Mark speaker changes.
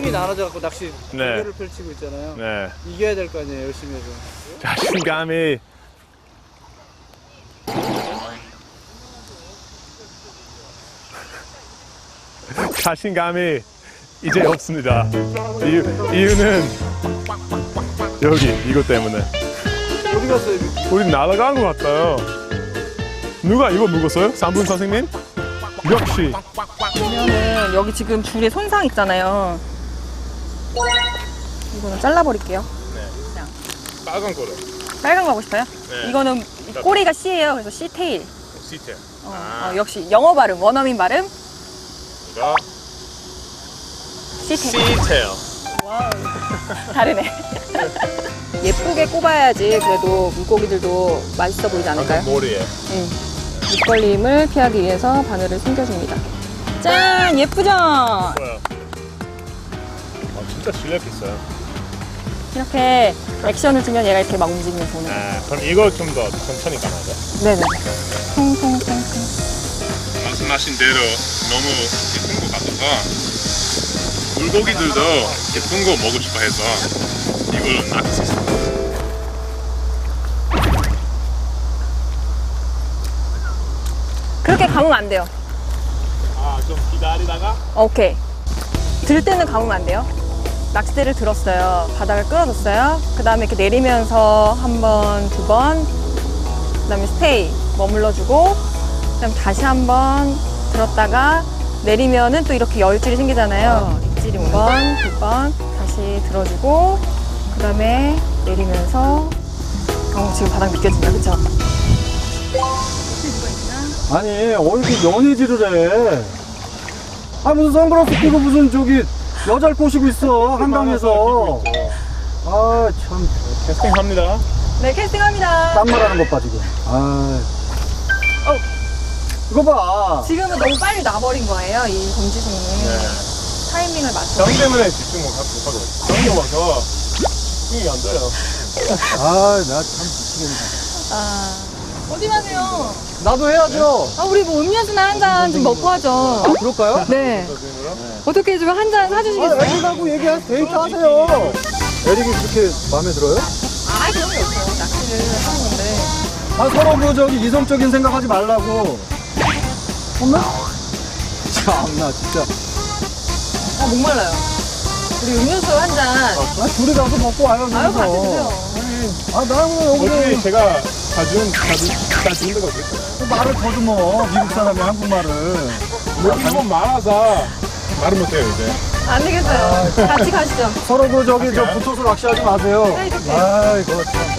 Speaker 1: 힘이 나눠져갖고 낚시
Speaker 2: 네.
Speaker 1: 대결을 펼치고 있잖아요.
Speaker 2: 네.
Speaker 1: 이겨야 될 거 아니에요, 열심히 해서.
Speaker 2: 자신감이 자신감이 이제 없습니다. 이유는 여기 이것 때문에.
Speaker 1: 어디 갔어요?
Speaker 2: 우리 날아간 것 같아요. 누가 이거 묵었어요? 3분 선생님? 역시.
Speaker 3: 그러면은 여기 지금 줄에 손상 있잖아요. 이거는 잘라버릴게요.
Speaker 2: 빨간 거를.
Speaker 3: 빨간 거 하고 싶어요?
Speaker 2: 네.
Speaker 3: 이거는 꼬리가 C예요. 그래서 C 테일.
Speaker 2: 시트.
Speaker 3: 역시 영어 발음, 원어민 발음.
Speaker 2: 이거
Speaker 3: C 테일.
Speaker 2: 시테일.
Speaker 3: 와우. 다르네. 예쁘게 꼽아야지 그래도 물고기들도 맛있어 보이지 않을까요?
Speaker 2: 머리에.
Speaker 3: 밑걸림을 피하기 위해서 바늘을 숨겨줍니다. 짠! 예쁘죠?
Speaker 2: 뭐야? 진짜 실력 있어요.
Speaker 3: 이렇게 액션을 주면 얘가 이렇게 막 움직이면서 오는 거예요.
Speaker 2: 그럼 이거 좀 더 천천히 감아야 돼.
Speaker 3: 네네. 통통통통.
Speaker 2: 말씀하신 대로 너무 예쁜 것 같아서 물고기들도 예쁜 거 먹고 싶어 해서 이걸 낚시했어요.
Speaker 3: 그렇게 감으면 안 돼요.
Speaker 2: 좀 기다리다가?
Speaker 3: 오케이. 들 때는 감으면 안 돼요. 낚싯대를 들었어요. 바닥을 끌어줬어요. 그 다음에 이렇게 내리면서 한 번, 두 번, 그 다음에 스테이, 머물러주고, 그 다음에 다시 한 번 들었다가 내리면은 또 이렇게 열줄이 생기잖아요. 입질이 한 번, 두 번, 다시 들어주고, 그 다음에 내리면서, 지금 바닥 미껴진다, 그쵸?
Speaker 4: 아니 어디 연애질을 해? 아 무슨 선글라스 끼고 무슨 저기 여자를 꼬시고 있어 한강에서. 아 참
Speaker 2: 캐스팅합니다.
Speaker 3: 네, 캐스팅합니다.
Speaker 4: 딴말하는 것 봐 지금. 아 이거 봐.
Speaker 3: 지금은 너무 빨리 놔버린 거예요, 이 검지손을. 타이밍을 맞춰.
Speaker 2: 정 때문에 집중 못하고 정이 와서 힘이 안 돼요.
Speaker 4: 아 나 참 미치겠네.
Speaker 3: 어디 가세요?
Speaker 4: 나도 해야죠.
Speaker 3: 우리 뭐 음료수나 한 잔 좀 먹고 하죠.
Speaker 4: 아 그럴까요?
Speaker 3: 네. 어떻게 좀 한 잔 사주시겠어요?
Speaker 4: 아 애기하고 얘기하세요. 데이트 하세요. 에릭이 그렇게 마음에 들어요?
Speaker 3: 그런 게 없어요. 낚시를 하는 건데.
Speaker 4: 아 서로 그 저기 이성적인 생각하지 말라고. 엄마? 참나 진짜.
Speaker 3: 목말라요. 우리 음료수 한 잔.
Speaker 4: 아 둘이 가서 먹고 와요.
Speaker 3: 같이 드세요.
Speaker 4: 아 나는
Speaker 2: 어차피
Speaker 4: 여기
Speaker 2: 제가 다 준 데가 어딨어요?
Speaker 4: 말을 더듬어. 미국 사람이 한국말을.
Speaker 2: 한번 말아서 말을 못해요 이제.
Speaker 3: 안 되겠어요. 같이 가시죠.
Speaker 4: 서로 그 저기 저 붙어서 낚시하지 마세요.
Speaker 3: 네, 이렇게.
Speaker 4: 아이고 참.